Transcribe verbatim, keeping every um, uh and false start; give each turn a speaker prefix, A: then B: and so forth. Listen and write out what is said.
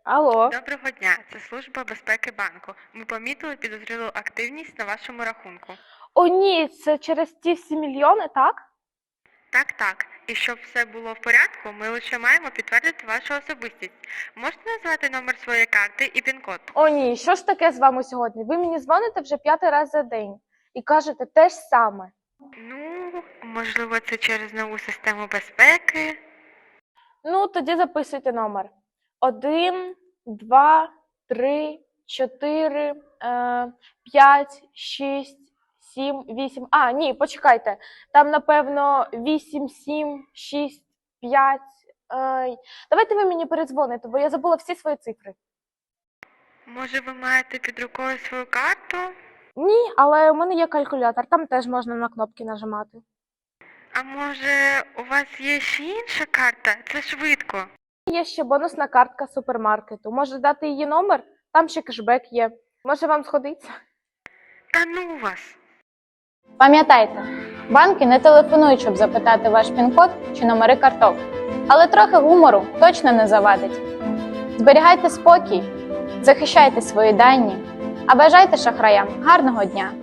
A: Алло.
B: Доброго дня, це служба безпеки банку. Ми помітили підозрілу активність на вашому рахунку.
A: О, ні, це через ті всі мільйони, так?
B: Так, так. І щоб все було в порядку, ми лише маємо підтвердити вашу особистість. Можете назвати номер своєї карти і пін-код?
A: О, ні, що ж таке з вами сьогодні? Ви мені дзвоните вже п'ятий раз за день і кажете те ж саме.
B: Ну, можливо, це через нову систему безпеки.
A: Ну, тоді записуйте номер. Один, два, три, чотири, е, п'ять, шість, сім, вісім. А, ні, почекайте. Там, напевно, вісім, сім, шість, п'ять. Е, давайте ви мені передзвоните, бо я забула всі свої цифри.
B: Може, ви маєте під рукою свою карту?
A: Ні, але у мене є калькулятор, там теж можна на кнопки нажимати.
B: А може, у вас є ще інша карта? Це швидко.
A: Є ще бонусна картка супермаркету. Може дати її номер? Там ще кешбек є. Може вам сходиться?
B: Та ну вас!
C: Пам'ятайте, банки не телефонують, щоб запитати ваш пін-код чи номери карток. Але трохи гумору точно не завадить. Зберігайте спокій, захищайте свої дані, а бажайте шахраям гарного дня!